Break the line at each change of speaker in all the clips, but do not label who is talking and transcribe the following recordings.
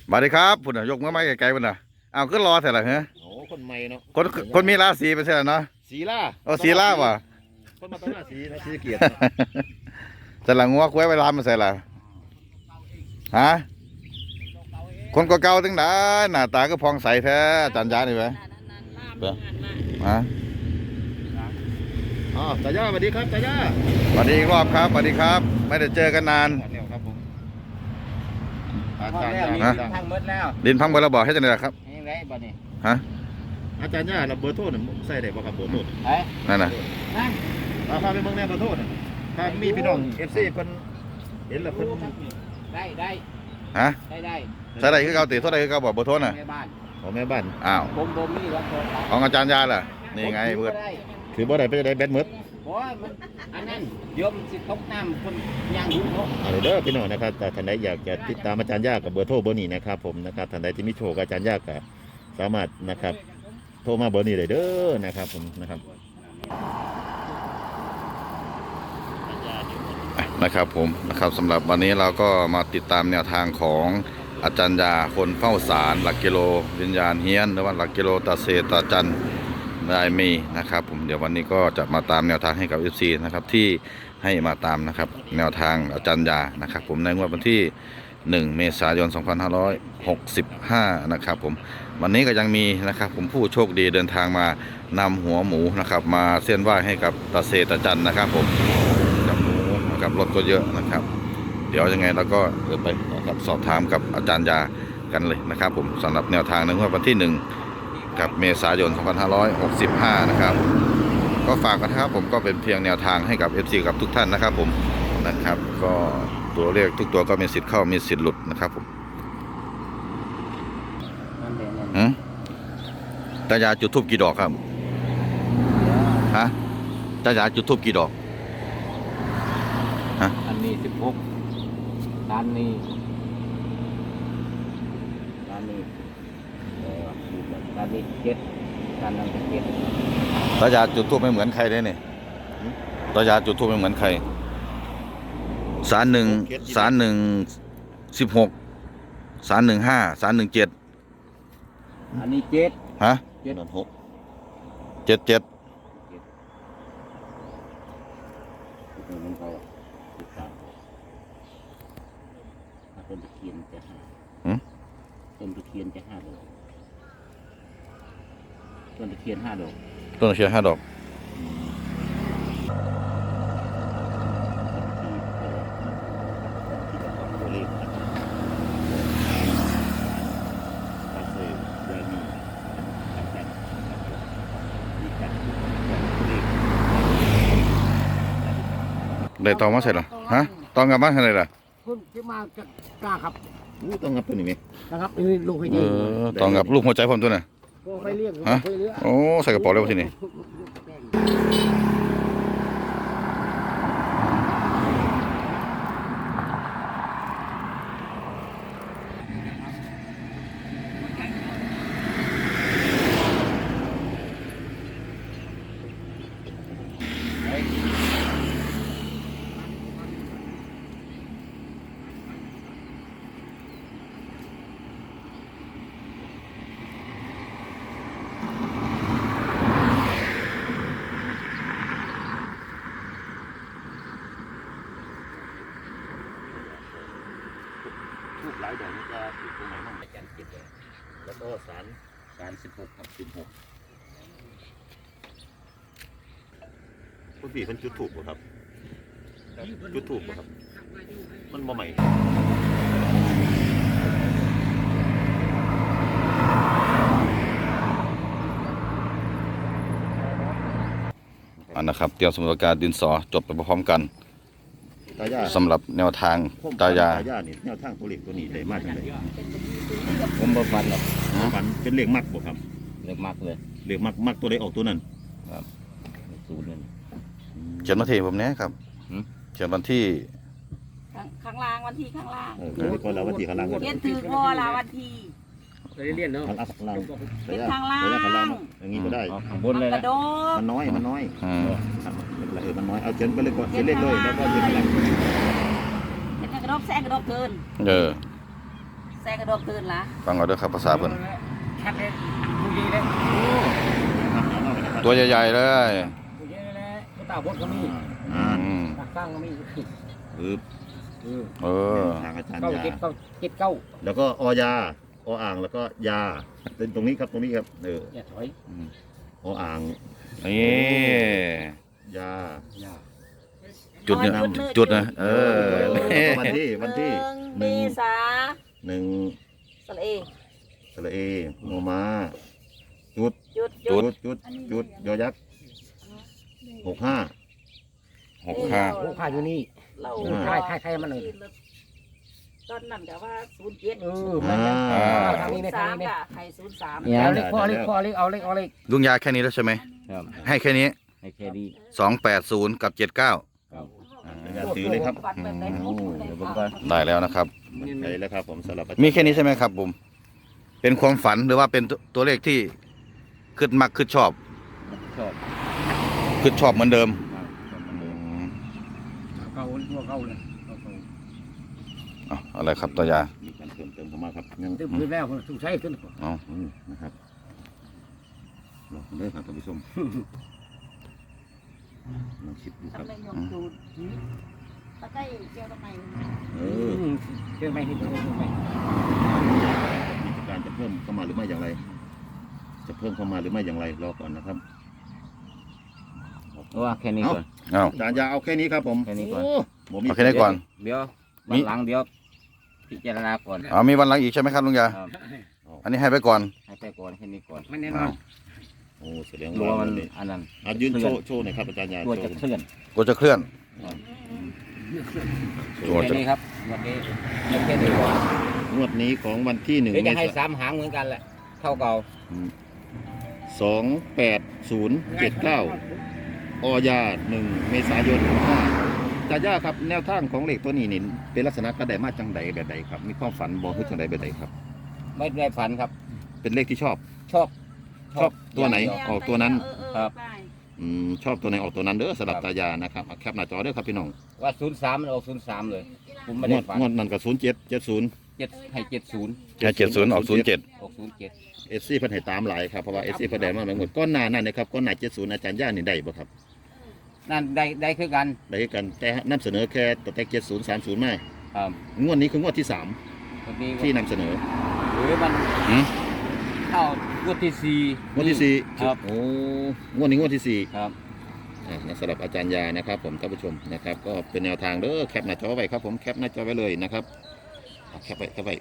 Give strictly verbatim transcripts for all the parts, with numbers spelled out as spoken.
สวัสดีครับพุ่นน่ะยกมือไม้ไกลๆพุ่นน่ะอ้าวก็รอแต่ละเหรอ
โอ้คนใหม่เนาะ
คนคนมีราศีไปใช่ไหมเนาะ
สีล่า
โอ้สีล่าว่ะ
คนมาตั้งหน้าสีนะสีเกียรติ
แต่ละงัวคุ้ยไปรามมาใส่ละฮะคนก็เก่าตั้งแต่หน้าตาก็พองใสแท้จันยานี่ไหมเด้อฮะ
อ๋อตาย่าสวัสดีครับตาย่า
สวัสดีอีกรอบครับสวัสดีครับ ไม่ได้เจอกันนาน
แล้วครับผมอาจารย์
แล้ว
ย่า
ดินพังหมดแล้ว
ดินพังบนระบอกให้จังได๋ครับ
นี่ไรบ่นี่
ฮะ
อาจารย์ย่าเราเบอร์โทรน่ะใส่ได้ป่ะครับเบอร์โทร
ไอ้
นั่นน่ะ
นั่น
เอาพาไปเมืองแน่เบอร์โทรน่ะถ้ามีพี่น้องเอฟซีคนเห็นแล้วเพิ่น
ได้ได้
ฮะ
ได้ได้
ใส่ได้คือเก่าติเท่าใดคือเก่าบอกเบอร์โทรน่ะ
แม่บ้าน
ของแม่บ้าน
อ้าว
ผมบ่มีรถโทรศัพท์
ของอาจารย์ยาล่ะนี่ไงเบิด
ได้
คือบ่ได้ไปได้แบตหมด
โอ้ยมันอันนั้นโยมสิตกน้ำคนย่างดูเนาะ
เอาเด้อพี่น้องนะครับแต่ท่านใดอยากจะติดตามอาจารย์ย่ากับเบอร์โทรเบอร์นี้นะครับผมนะครับท่านใดที่มีโชคกับอาจารย์ย่าก็สามารถนะครับโทรมาเบอร์นี้เลยเด้อนะครับผมนะครับ
นะครับผมนะครับสำหรับวันนี้เราก็มาติดตามแนวทางของอาจารย์ยาคนเฝ้าสารหลักกิโลวิญญาณเฮียนหรือว่าหลักกิโลตาเซตาจันได้มีนะครับผมเดี๋ยววันนี้ก็จะมาตามแนวทางให้กับ เอฟ ซี นะครับที่ให้มาตามนะครับแนวทางอาจารย์ยานะครับผมในงวดวันที่หนึ่งเมษายนสองพันห้าร้อยหกสิบห้านะครับผมวันนี้ก็ยังมีนะครับผมผู้โชคดีเดินทางมานำหัวหมูนะครับมาเส้นไหว้ให้กับตาเซตาจันนะครับผมกับหมูกับรถก็เยอะนะครับเดี๋ยวยังไงเราก็เดินไปนะครับสอบถามกับอาจารย์ยากันเลยนะครับผมสำหรับแนวทางในงวดวันที่หนึ่งกับเมษายนสองพันห้าร้อยหกสิบห้านะครับก็ฝากกันนะครับผมก็เป็นเพียงแนวทางให้กับ เอฟ ซี กับทุกท่านนะครับผมนะครับก็ตัวเลขทุกตัวก็มีสิทธิ์เข้ามีสิทธิ์หลุดนะครับผม
นั่นเองนั่น
หืมตายาจุดทูบกี่ดอกครับฮะตายาจุดทูบกี่ดอกฮะ
อันนี้สิบหกด้านนี้ด้านนี้เออด้านนี้เจ็ดด้านนั้นก็เจ็ด
ตายาจุดทูบไม่เหมือนใครเลยเนี่ยตายาจุดทูบไม่เหมือนใครสารหนึ่งสารหนึ่งสิบหกสารหนึ่งห้าสารหนึ่งเจ็ด
อันนี้เจ็ด
ฮะ
เจ็ด
นอนหก
เจ็ดเจ็ด
มันก็สิบสามถ้าต้นตะเคียนจะห้าต้นตะเคียนจะห้าดอกต้นตะเคียนห้าดอก
ต้นเชียร์ห้าดอกได้ตองมาใส่หรอฮะตองกลับมาใส่ไหนล่ะ
คุณที่มาจะกล้าครับ
อู้ต้องงับตัวนี้ไหม
นะครับนี่ลูกให้
เอ
ดี
อตองกับลูกหัวใจผมตัวน่ะ
ไปเลี้ยง
ฮะ
ไปเลี้ยง
โอ้ใส่กระเป๋าเลยวะทีนี้
ทูบหลายดอกนี่จะติดตรงไหนบ้างอาจารย์เจ็ดเลยแล้วก็สารสารสิบหกครับสิบหกคุณพี่มันจุดถูกป่ะครับจุดถูกป่ะครับมันบ่ใหม่
อันนะครับเตรียมสมุดปากกาดินสอจบไปพร้อมกัน
ตายา
สำหรับแนวทางตายา
ตายานี่แนวทางตัวเลขตัวนี้ได้มากจังเลย
ผมบ่ฟันหรอก
ฝันเป็นเลขมักบ่ครับ
เล็กมากเลย
เลขมักมักตัวใดออกตัวนั้น
ศูนย์นั่น
เขียนมาที่ผมเนี้ยครับ
หืม
เขียนวันที่
ข้างข้างล่างวันที่ข้างล่าง
เออคือคนเราวันที่ข้างล่างกัน
เรียนถือพอละวันที่
เรียนเนาะ
ข้างล่างข้างล่าง
เป็นข้างล่าง
ระยะข้างล่างอย่างนี้ก็ได้
ข้างบน
มัน
เลย
กระ
นะ
โดด
มันน้อยมันน้อย
อืม
ครับไม่เป็นไรเออมันน้อยเอาเขียนไปเลยก่อนเขียนเลขเลยแล้วก็เขียนข้างล่าง
เป็นกระโดดแซงกระโดดเกิน
เออ
แซงกระโดดตื่นละ
ฟังเอาเด้อครับภาษาเพิ่น
ชัดเลยผู้ดีเลย
ตัวใหญ่ๆเลย
ผู้ดีเลยผู้ตาบดก็มี
อ่า
อืม
ตักตั้งก็มี
ปึ๊บ
เออ
เออ
ทางอาจารย์
เก้าย
า
เจ็ดเก้าเจ็ดเก้า
แล้วก็อยาออ่างแล้วก็ยาเป็นตรงนี้ครับตรงนี้ครับเออ
อย่าถอย
ออ่าง
นี่
ยา
อย่า
จุดเนี่ยจุดนะเออ
วันที่วันที่
ห
ห
นึ่
นึ่
ง
ง
เมษา
หนึ่ง
สระเอ
สระเอโมมาจุด
จุด
จุ
จุ
ด
ด
จุดจุดยอยักษ์หกห้า
หกห้า
โอ้ข้าอยู่นี่
เรา
ใช่ใช่ใช่มันเลย
ตอนนั้นก็ว่าศูนย์เจ็ด
เออมันยัง
อ่า
ทาง
ศู
นี้
น
ใน
ย์
ทา
สาง ม
นี้
ก็ให้ศูนย์สาม
เอาเล็กพอเล็กพอเล็กเอาเล็กเอาเล็ก
ลุงยาแค่นี้แล้วใช่ไหม
ครับ
ให้แค่นี้
ให้แค่นี้
สองแปดศูนย์กับเจ็ดเก้า
ครับ
อย่าถือเลยครับ
ฝันแบบไหน
โอ้เดี๋ยวผมก็
ได้แล้วนะครับ
ไปแล้วครับผมสำหรับ
มีแค่นี้ใช่ไหมครับผมเป็นความฝันหรือว่าเป็นตัวตัวเลขที่ขึ้นมักขึ้นชอบ
ชอบ
ขึ้นชอบเหมือนเดิม
เข้าตัวเข้าเลยเข้า
อ่ะอะไรครับตายา
มีการเติมเติมเข้ามาครับยัง
ตึ้มขึ้นแล้วถูกใช้ขึ้น
เอา
อืมนะครับลองเด้อครับท่านผู้ชมลองคิดดูครับ
ทำได้ยกดูตะไคร้เจียวทำไม
เอ
เอ
อ
อเชื่อไหมเห็นไหม
กิจการจะเพิ่มเข้ามาหรือไม่อย่างไร จะเพิ่มเข้ามาหรือไม่อย่างไรรอก่อนนะครับ
ว่าแค่นี้ก่อน
เอา
อาจารย์ยาเอาแค่นี้ครับผม
แค่นี้ก่อน
โบ่มี
เอาแค่นี้ก่อน
เดี๋ยว
มี
วันหลังเดี๋ยวพิจารณาก่อน
เอามีวันหลังอีกใช่ไหมครับลุงยา
ครับ
อันนี้ให้ไปก่อน
ให้ไปก่อนแค่นี้ก่อน
ไม่แน่นอนโอ้แสดง
รัว
ว่า
มัน
นี่
อันนั้น
อ่ะยืนโชว์โชว์หน่อยครับอาจารย์ยา
รัวจะ
โชว์
เคลื่อน
กลัวจะเคลื่อน
โช
รัว
ว์
แค่นี้ครับวันนี้ยังแค่นี้ก่อน
งวดนี้ของวันที่หนึ่ง
เดี๋ยว
เม
จะให้
ษา
สามหางเหมือนกันแหละเท่าเก่า
สองแปดศูนย์เจ็ดเก้าอยาหนึ่งเมษายนห้าอาจารย์ยาครับแนวทางของเลขตัวนี้นี่เป็นลักษณะกระไดมาจังใดแบบใดครับ มีความฝันบอกให้จังใดแบบใดครับ
ไม่ได้ฝันครับ
เป็นเลขที่ชอบ
ชอบ
ชอบตัวไหน ออกตัวนั้น
ครับ
อืมชอบตัวไหนออกตัวนั้นเด้อสำหรับตายานะครับเอาแคปหน้าจอเด้อครับพี่น้อง
ว่าศูนย์สามมันออกศูนย์สามเลย ผมไม่
ง
ได้
วด
ฝัน
งวดนั้นก็ศูนย์เจ็ดเจ็ดศูนย์
เจ็ดให้เจ็ดศูนย์
แค่เจ็ดศูนย์ออกศูนย์เจ็ด
ออกศูนย์เจ็ด
เอสซีเพิ่นให้ตามหลายครับเพราะว่าเอสซีเพิ่นได้มาหมดก้อนหน้านั่นนะครับก้อนหน้าเจ็ดศูนย์อาจารย์ย่านี่ได้บ่ครับ
นั่นได้ได้คือกัน
ได้คือกันแต่นำเสนอแค่ตัวแต่เจ็ดศูนย์สามศูนย์มา
ครับ
งวดนี้คืองวดที่สาม
วันนี้
ที่นำเสนอ
หรือมัน
หืม
เข้างวดที่สี่
งวดที่สี่
ครับ
โอ้งวดนี้งวดที่สี่
ครับ
อ่าสำหรับอาจารย์ยานะครับ ผมท่านผู้ชมนะครับ ก็เป็นแนวทางเด้อแคปหน้าจอไว้ครับผมแคปหน้าจอไว้เลยนะครับเอาแคปไว้แคปไว้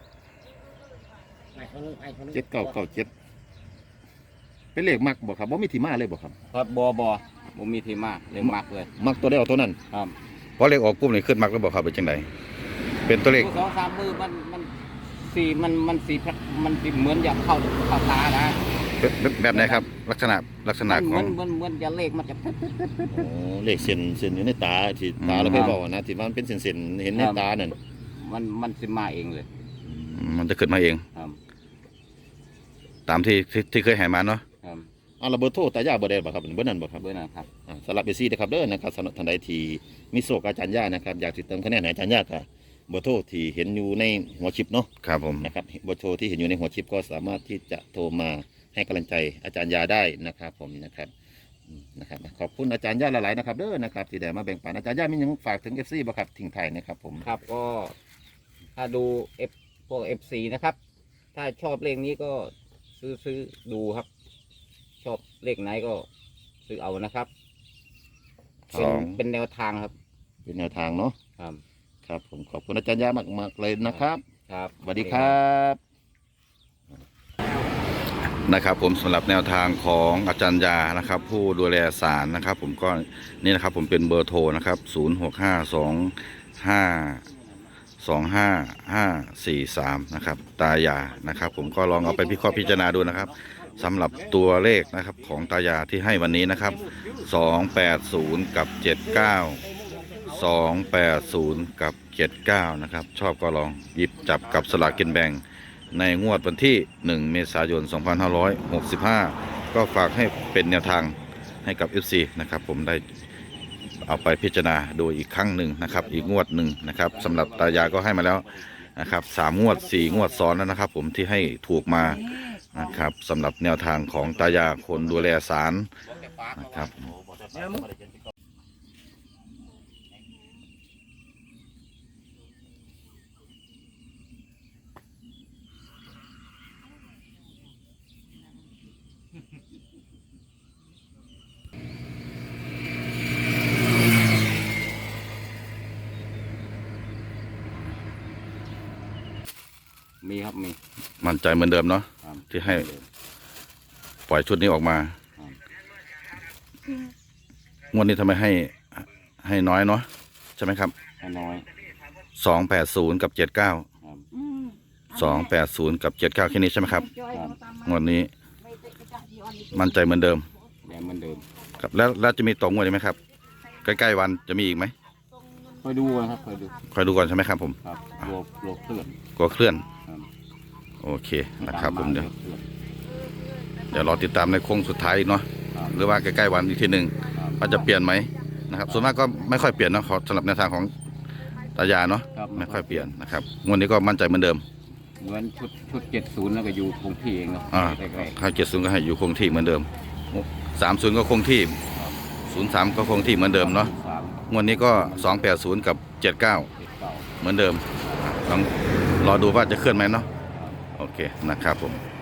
เจ็ดเก้าเก้าเจ็ดเป็นเลขมักบ่ครับบ่มีที่มาเลยบ่ครับ
ครับบอบอผมมีทีมากเลยมักเลย
มักตัวเดียวตัวนั้น
ครับ
เพราะเลขออกปุ๊บนี่ขึ้นมักแล้วบอกครับเป็นจังไดเป็นตัวเลข
สองสามมือมันมันสีมันมันสีพระมันสีเหมือนอยากเข้าเข้าตานะ
แบบแบบแบบไหนครับ ลักษณะลักษณะ
มัน
ข
เห
อ
มือง นเหมือนเหมือนจะเลขมันจะ
โอ้เลขเส้นเส้นอยู่ในตาที่ตา
อืม
เราเคยบอกนะที่มันเป็นเส้นเส้นๆเห็นในตานั่น
มันมันสิมาเองเลย
มันจะขึ้นมาเอง
ครับ
ตามที่ที่ที่เคยให้มาเนาะ
ครับ
อ่าระเบิดโทษตายาบ่ได้บ่ครับเบอร์นั้นบ่ครับ
เบอร์นะครับ
อ่าสำหรับเอซี่นะครับเด้อนะครับสำหรับท่านใดที่มีโศกอาจารย์ย่านะครับอยากติดเติมคะแนนให้อาจารย์ย่าก็เบอร์โทรที่เห็นอยู่ในหัวชิปเนาะ
ครับผม
นะครับเบอร์โทรที่เห็นอยู่ในหัวชิปก็สามารถที่จะโทรมาให้กำลังใจอาจารย์ยาได้นะครับผมนะครับอืมนะครับขอบคุณอาจารย์ย่าหลายๆนะครับเด้อนะครับที่ได้มาแบ่งปันอาจารย์ย่ามีหยังฝากถึงเอฟซีบ่ครับทิ้งท้ายนะครับผม
ครับก็ถ้าดูเอฟพวกเอฟซีนะครับ ถ้าชอบเลขนี้ก็ซื้อซื้อดูครับ ชอบเลขไหนก็ซื้อเอานะครับ
สอง
เป็นเป็นแนวทางครับ
เป็นแนวทางเนาะ
ครับ
ครับผมขอบคุณอาจารย์ย่ามากๆเลยนะครับ
ครับ
สวัสดีครับ
นะครับผมสำหรับแนวทางของอาจารย์ยานะครับ ผู้ดูแลศาลนะครับ ผมก็นี่นะครับผมเป็นเบอร์โทรนะครับศูนย์หกห้าสองห้าสองห้าห้าสี่สามนะครับตายานะครับ ผมก็ลองเอาไปพิเคราะห์พิจารณาดูนะครับสำหรับตัวเลขนะครับของตายาที่ให้วันนี้นะครับสองแปดศูนย์กับเจ็ดเก้าสองแปดศูนย์กับเจ็ดเก้านะครับชอบก็ลองหยิบจับกับสลากกินแบ่งในงวดวันที่หนึ่งเมษายนสองพันห้าร้อยหกสิบห้าก็ฝากให้เป็นแนวทางให้กับ เอฟ ซี นะครับผมได้เอาไปพิจารณาดูอีกครั้งหนึ่งนะครับอีกงวดหนึ่งนะครับสำหรับตายาก็ให้มาแล้วนะครับสามงวดสี่งวดซ้อนแล้วนะครับ ผมที่ให้ถูกมานะครับสำหรับแนวทางของตายาคนดูแลศาลนะครับ
มีครับมี
มั่นใจเหมือนเดิมเนาะ
ครับ
ที่ให้ปล่อยชุดนี้ออกมา
ครับ
งวดนี้ทำไมให้ให้น้อยเนาะใช่ไหมครับ
ให้น้อย
สองแปดศูนย์กับเจ็ดเก้า
ครับ
อืม
สองแปดศูนย์กับเจ็ดเก้าแค่นี้ใช่ไหมครับ
จอยเอาตามมาง
วดนี้
ไม่ติดกระจายที่อ่อนอีก
มั่นใจเหมือนเดิม
แดงเหมือนเดิม
ครับแล้วแล้วจะมีต่องวดอีกไหมครับใกล้ๆวันจะมีอีกไหม
คอยดูนะครับคอยดู
คอยดูก่อนใช่ไหมครับผม
ครับโลบโลบเคลื่อน
กลัวเคลื่อน
ครับ
โอเคนะครับผมเดี๋ยว
ตาาคลื่อน
เดี๋ยวรอติดตามในโค้งสุดท้ายอีกเนาะ
ครับ
หรือว่าใกล้ๆวันอีกทีหนึ่ง
ครับ
ว่าจะเปลี่ยนไหมนะครับส่วนมากก็ไม่ค่อยเปลี่ยนเนาะขอสำหรับแนวทางของตายาเนาะ
ครับ
ไม่ค่อยเปลี่ยนนะครับงวดนี้ก็มั่นใจเหมือนเดิม
เหมือนชุดชุดเจ็ดศูนย์แล้วก็อยู่คงที่เองเนาะ
อ่า
ใกล้
ห้าเจ็ดศูนย์ก็ให้อยู่คงที่เหมือนเดิมสามศูนย์ก็คงที่ศูนย์สามก็คงที่เหมือน
ๆ
เดิมเนาะ
สาม
งวดนี้ก็สองแปดศูนย์กับเจ็ดเก้า
เจ็ดเก้า
เหมือนเดิมลองรอดูว่าจะเคลื่อนไหมเนาะ
ครับ
โอเคนะครับผม
ค